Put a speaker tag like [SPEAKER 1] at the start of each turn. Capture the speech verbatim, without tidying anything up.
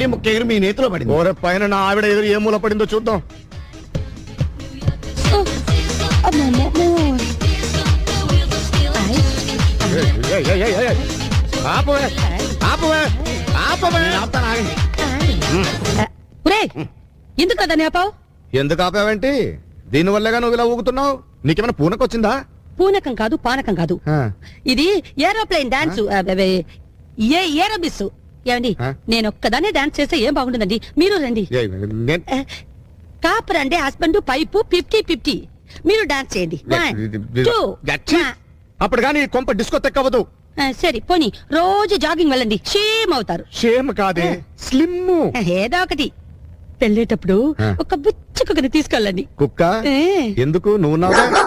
[SPEAKER 1] ఒకటి ముక్క ఎగురు మీ నేతిలో పడింది.
[SPEAKER 2] ఓరే పైన నా ఆవిడ ఎదురు ఏ మూల పడిందో చూద్దాం. ఏయ్, ఏయ్, ఏయ్, ఏయ్. ఆపవే ఆపవే ఆపవే.
[SPEAKER 1] ఆపుతాను, ఆగండి.
[SPEAKER 3] ఎందుకు కదా నేపావు?
[SPEAKER 2] ఎందుకు ఆపావేంటి? దీనివల్లగా నువ్వు ఇలా ఊగుతున్నావు. నీకేమైనా పూనకొచ్చిందా?
[SPEAKER 3] పూనకం కాదు, పానకం కాదు.
[SPEAKER 2] ఆ.
[SPEAKER 3] ఇది ఏరోప్లేన్ డాన్స్. ఏ ఏరోబిస్. ఏమండి,
[SPEAKER 2] ఆ?
[SPEAKER 3] నేను ఒక్కదానే డాన్స్ చేస్తే ఏం బాగుంటుందండి? మీరు రండి.
[SPEAKER 2] ఏయ్, నేను-
[SPEAKER 3] ఆ, కాపర్ అంటే హస్బెండ్, పైపు ఫిఫ్టీ ఫిఫ్టీ. మీరు డాన్స్ చేయండి. One, two.
[SPEAKER 2] గచ్చి. అప్పుడు కానీ కొంప డిస్కో తెక్కవదు.
[SPEAKER 3] ఆ, సరే పోనీ రోజు జాగింగ్ వెళ్ళండి, షేమ్ అవుతారు.
[SPEAKER 2] షేమ్ కాదే, స్లిమ్.
[SPEAKER 3] ఏదో ఒకటి. వెళ్ళేటప్పుడు
[SPEAKER 2] ఆ.
[SPEAKER 3] ఒక బుచ్చి కుక్కని తీసుకెళ్ళండి.
[SPEAKER 2] కుక్క
[SPEAKER 3] ఏ.
[SPEAKER 2] ఎందుకు? నువ్వు నాగా